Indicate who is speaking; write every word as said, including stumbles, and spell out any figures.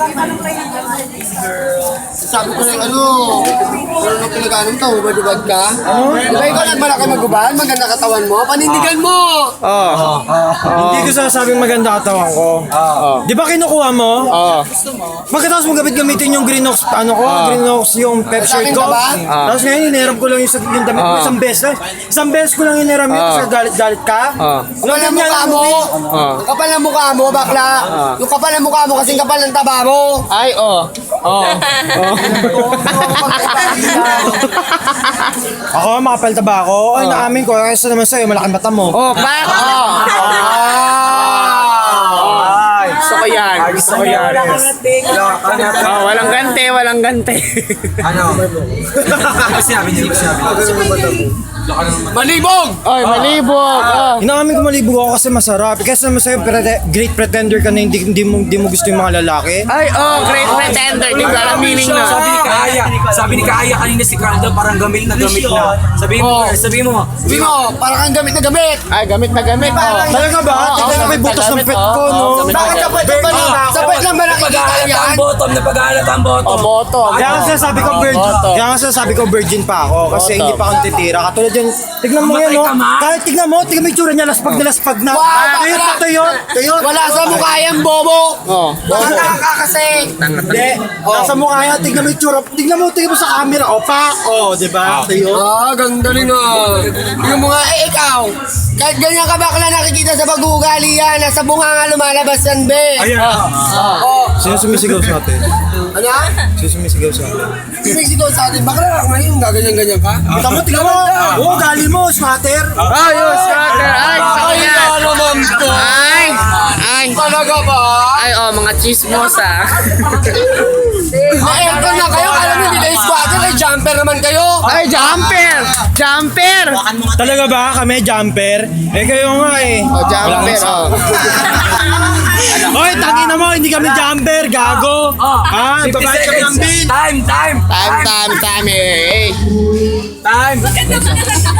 Speaker 1: Sabi ko lang ano, ano nung pinag-anong tao, hubad-hubad ka? Di ba ikaw nagmalaki mag-hubad? Maganda katawan mo? Panindigan mo!
Speaker 2: Oo. Hindi ko sasabing maganda katawan ko. Di ba kinukuha mo?
Speaker 1: Oo.
Speaker 2: Pagkatapos mo gamit-gamitin yung Green Ox, ano ko, Green Ox yung pep shirt ko. Tapos ngayon, inerap ko lang yung, yung damit ko isang beses lang. Isang beses ko lang inerap yun kasi galit-galit ka.
Speaker 1: Kapal ang mukha mo! Yung kapal ang mukha mo, bakla! Yung kapal ang mukha mo kasing kapal ng taba mo!
Speaker 3: Ay, oh. Oh.
Speaker 2: Ako, makapalta ba ako? Ay, naamin ko. Kasi naman sa'yo, malaking mata mo.
Speaker 3: Oh, pak! Oh.
Speaker 2: Ay,
Speaker 3: Gusto ko yan. Gusto ko yan. Oh, walang gante, walang gante.
Speaker 4: Ano? Ano sinabi niyo? Ano sinabi?
Speaker 1: Malibog!
Speaker 3: Oy, malibog. Oh.
Speaker 2: Inaamin ko malibog ako kasi masarap. Kasi naman sa'yo, prete- great pretender ka na hindi, hindi, mo, hindi mo gusto yung mga lalaki.
Speaker 3: Ay, oh, great pretender. Hindi ko alam meaning na.
Speaker 4: Sabi ni Kaaya, sabi ni Kaaya kanina si Caldo parang gamit na gamit na. Sabi mo, sabi mo.
Speaker 1: Sabi mo, parang kang gamit na gamit!
Speaker 3: Ay, gamit na gamit. Oh.
Speaker 2: Talaga ba? Tignan mo may butas ng pet ko, no?
Speaker 1: Bakit sa pwet ba lang? Sa pwet lang ba nakikita
Speaker 4: Napag-aalat
Speaker 1: yan?
Speaker 4: ang bottom, napag-aalat ang
Speaker 3: Oh,
Speaker 4: bottom.
Speaker 3: bottom.
Speaker 2: Kaya nga sinasabi ko virgin,
Speaker 3: Bottom.
Speaker 2: kaya nga sinasabi ko virgin pa ako kasi
Speaker 3: Bottom.
Speaker 2: hindi pa akong titira. Katulad yan, tignan mo yan, no?
Speaker 4: Mamatay ka, ma.
Speaker 2: Kahit tignan mo, tignan mo yung tsura niya, laspag na laspag na.
Speaker 1: Wow,
Speaker 2: Tuyot na tuyot, tuyot.
Speaker 1: Wala sa mukha yan, bobo!
Speaker 3: Oh.
Speaker 1: Baka ka kasi!
Speaker 2: Hindi, nasa mukha yan, tignan mo yung tsura, tignan mo, tignan mo sa camera, o pa, o, di ba? Tuyot.
Speaker 1: Ah, ganda rin ah. Tingnan mo nga, eh ikaw, kahit ganyan ka bakla nakikita sa pag-uugali yan, nasa bunga nga lumalabas yan, be.
Speaker 2: Ayan.
Speaker 1: Oh,
Speaker 2: Sino sumisigaw sa atin?
Speaker 1: ano?
Speaker 2: Sino sumisigaw sa atin?
Speaker 1: Sinisigaw sa atin, bakla ngayon, gaganyan-ganyan ka?
Speaker 2: Tignan mo, tignan mo. Oo, gali mo, smatter.
Speaker 3: Ayos, cutter. Ay, gusto ko
Speaker 1: Ay,
Speaker 3: yan.
Speaker 1: ano naman to?
Speaker 3: Ay, ay.
Speaker 1: Talaga ba?
Speaker 3: Ay, oh, mga chismosa.
Speaker 1: May aircon na kayo, alam niyo, hindi kayo squatter, ay jumper naman kayo.
Speaker 3: Ay, jumper! Jumper!
Speaker 2: Talaga ba kami jumper? Eh kayo nga eh.
Speaker 3: Oh, jumper, oh.
Speaker 2: Hoy, tangin na mo, hindi kami jumper, gago. Ah,
Speaker 4: fifty
Speaker 2: babayad kami ng
Speaker 4: seconds.
Speaker 2: bill.
Speaker 4: Time, time.
Speaker 3: Time, time, time. Eh, eh.
Speaker 4: Time.